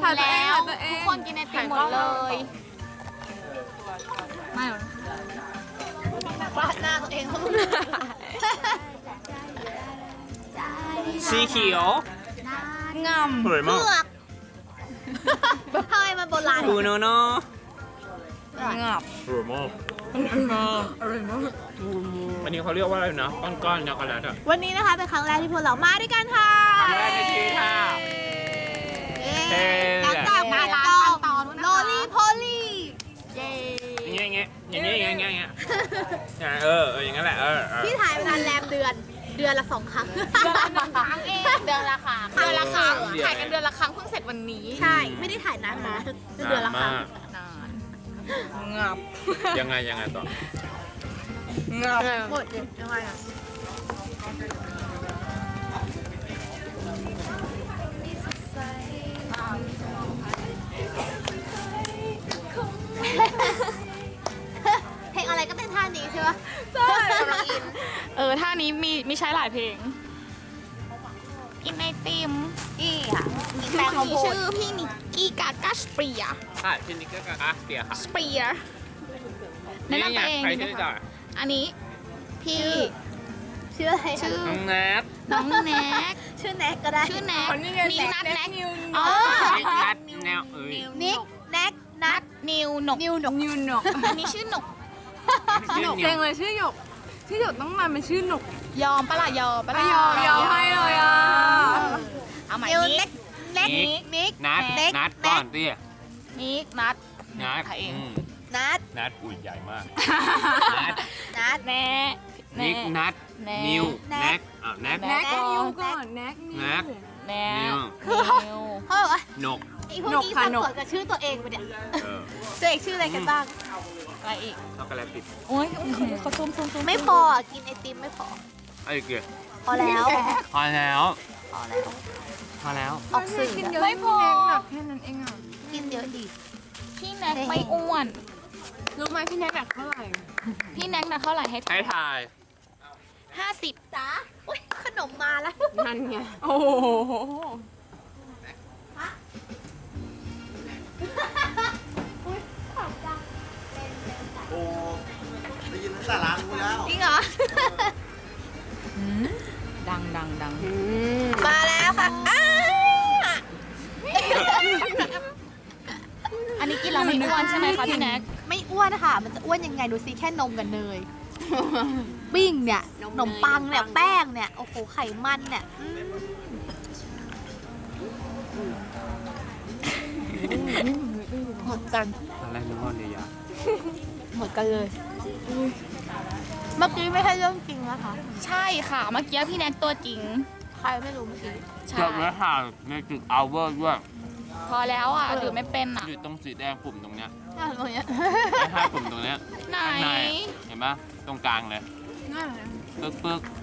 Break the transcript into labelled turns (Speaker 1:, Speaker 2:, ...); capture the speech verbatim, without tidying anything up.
Speaker 1: มแล้วทุกคนกินไอติมหมดเลยไม่หรอก
Speaker 2: วาดหน้าตัวเองเขา
Speaker 3: สีเขียว
Speaker 1: งาม
Speaker 3: สวย
Speaker 2: เผื
Speaker 3: มาก
Speaker 2: อกทำไมมันโบราณ
Speaker 3: คูโนโน
Speaker 1: งาม
Speaker 3: สวยมากวันนี้เขาเรียกว่าอะไรนะก้อนๆช็อกโกแลตอะ
Speaker 2: วันนี้นะคะเป็นครั้งแรกที่พวกเรามาด้วยกันค่ะ
Speaker 3: ครั้งแรกในชีวิตค่ะ
Speaker 2: เย้หลังจากมาร้านตอนโลลี่โพลี่เย้
Speaker 3: อย่างเงี้ยอย่างเงี้ยอย่างเงี้ยอย่างเงี้ยอย่างเงี้ยเออเอออย่างงั้นแหละเออเออ
Speaker 2: พี่ถ่ายเวลาแรมเดือนเดือนละสองครั้ง
Speaker 1: เดือนละหนึ่งครั้งเองเดือนละครั้งเดือนละครั้งถ่ายกันเดือนละครั้งเพิ่งเสร็จวันนี้
Speaker 2: ใช่ไม่ได้ถ่ายนานนะเดือนละครั้ง
Speaker 1: นานงาม
Speaker 3: ยังไงยังไงต่อ
Speaker 1: งาม
Speaker 2: หมดเลยยังไงอ่ะเพลงอะไรก็เต้นท่านี้ใช่ปะใช่กำลังอิน
Speaker 1: เออท่านี้มีมีใช้หลายเพลงกินไอติม
Speaker 2: นี่ค่ะมีแป้งข้าวโพด
Speaker 1: ชื่อพี่นิกกี้กากาสเปีย
Speaker 3: ค่ะชินิกก็กะเปียค่ะ
Speaker 1: สเปียแนะนำตัวเอง
Speaker 3: ใครชื่อจ่อย
Speaker 1: อันนี้พี่
Speaker 2: ชื่ออะไร
Speaker 1: ชื่อ
Speaker 3: น้องแนท
Speaker 1: น้องแน็ก
Speaker 2: ชื่อแน็กก็ได้
Speaker 1: ชื่อแน็กนิวนัทแน็กอ๋อ
Speaker 3: นิกนัทแนวเอ้ย
Speaker 2: นิกแน็กนัท
Speaker 1: นิวหนก
Speaker 2: นิวหนก
Speaker 4: นิวหนก
Speaker 1: อันนี้ชื่อหนก
Speaker 3: ชื่อ
Speaker 4: เจ๋งเลยชื่อหยก ชื่อหยกต้องมาเป็นชื่อหนก
Speaker 1: ยอมปะล่ะยอมปะล่ะ
Speaker 4: ยอมยอมให้เลยอ่ะ
Speaker 1: เอาใหม่
Speaker 2: นิว
Speaker 1: นิ
Speaker 2: เน็
Speaker 1: ก
Speaker 2: กเน็กนิก
Speaker 3: นัท
Speaker 2: เน็ก
Speaker 3: นัท
Speaker 2: เน็
Speaker 3: ก่อก นเตี้ย
Speaker 1: นิกนัท
Speaker 3: นัท
Speaker 1: ถ่ายเอง
Speaker 3: อืม
Speaker 2: นัท
Speaker 3: นัทอุ้ยใหญ่มากนัท
Speaker 2: นัท
Speaker 1: แน่
Speaker 3: นิกนัท
Speaker 1: แน่
Speaker 3: นิว
Speaker 2: แน็
Speaker 3: แน็
Speaker 2: ก
Speaker 3: กอ้าวแน็ก
Speaker 1: แน็
Speaker 4: แน็
Speaker 1: ก
Speaker 4: กนิวก่อนแน็กนิว
Speaker 3: แน็ก
Speaker 1: แน่
Speaker 3: นิว
Speaker 2: คือเขา
Speaker 1: นิว
Speaker 2: เขาบอกว่า
Speaker 3: นก
Speaker 2: ไอ้พวก
Speaker 4: หนก
Speaker 2: นี้
Speaker 4: ค่ะ
Speaker 2: สับ
Speaker 4: หนก
Speaker 2: สนกับชื่อตัวเองไปเนี่ย
Speaker 3: เออ
Speaker 2: ตัวเองชื่ออะไรกันบ้าง
Speaker 1: อะไรอีก
Speaker 3: ช็อกโกแลตติด
Speaker 1: โอ้ยเขาซูมซูมซูม
Speaker 2: ไม่พออ่ะกินไอติมไม่พอ
Speaker 3: ไอ้เกียร์
Speaker 2: พอแล้ว
Speaker 3: พอแล้ว
Speaker 2: พอแล้ว
Speaker 3: พอแล้ว
Speaker 2: ออกสื่อ
Speaker 4: กินเย
Speaker 2: อะ
Speaker 4: อะไม่พอหนักแค่นั้นเองอ่ะ
Speaker 2: กินเยอะดี
Speaker 1: พี่แน็กไม่อ้วน
Speaker 4: รู้ไหมพี่แน็กหนักเท่าไหร่
Speaker 1: พี่แน็กนะเท่าไหร่ให้
Speaker 3: ให้ทาย
Speaker 1: ห้าสิบ
Speaker 2: จ้าอุ้ยขนมมาแล้ว
Speaker 4: นั่นไง โอ้โห
Speaker 5: โอ้ได้ยินตั้งแต่ร้านกูแล้ว
Speaker 2: จริงเหรอ
Speaker 1: ดังดังดัง
Speaker 2: มาแล้วค่ะอ้า
Speaker 1: อันนี้กินแล้วไม่อ้วนใช่ไหมคะพี่แน็ก
Speaker 2: ไม่อ้วนค่ะ มันจะอ้วนยังไงดูสิแค่นมกับเนย ปิ้งเนี่ยขนมปังเนี่ยแป้งเนี่ย โอ้โห ไขมันเนี่ยอืมหมดกัน
Speaker 3: ตอนแรกนึกว่าเรียา
Speaker 2: หมดกันเลย เมื่อกี้ไม่ใช่เรื่องจริงนะคะ
Speaker 1: ใช่ค่ะเมื่อกี้พี่แน็กตัวจริง
Speaker 2: ใครไม่รู้เมื่อกี้
Speaker 1: ใช่
Speaker 3: จบแล้วค่ะในจุดเอาเวอร์ด้วย
Speaker 1: พอแล้วอ่ะหรือไม่เป็นอ่ะ
Speaker 3: อยู่ตรงสีแดงปุ่มตรงเนี้ย
Speaker 2: น่าตรงเนี้ย
Speaker 3: ไอ้ห้าปุ่มตรงเนี้ย
Speaker 1: ไหน
Speaker 3: ข้างในเห็นปะตรงกลางเลย
Speaker 4: นั่น
Speaker 3: ปึ๊กปึ๊ก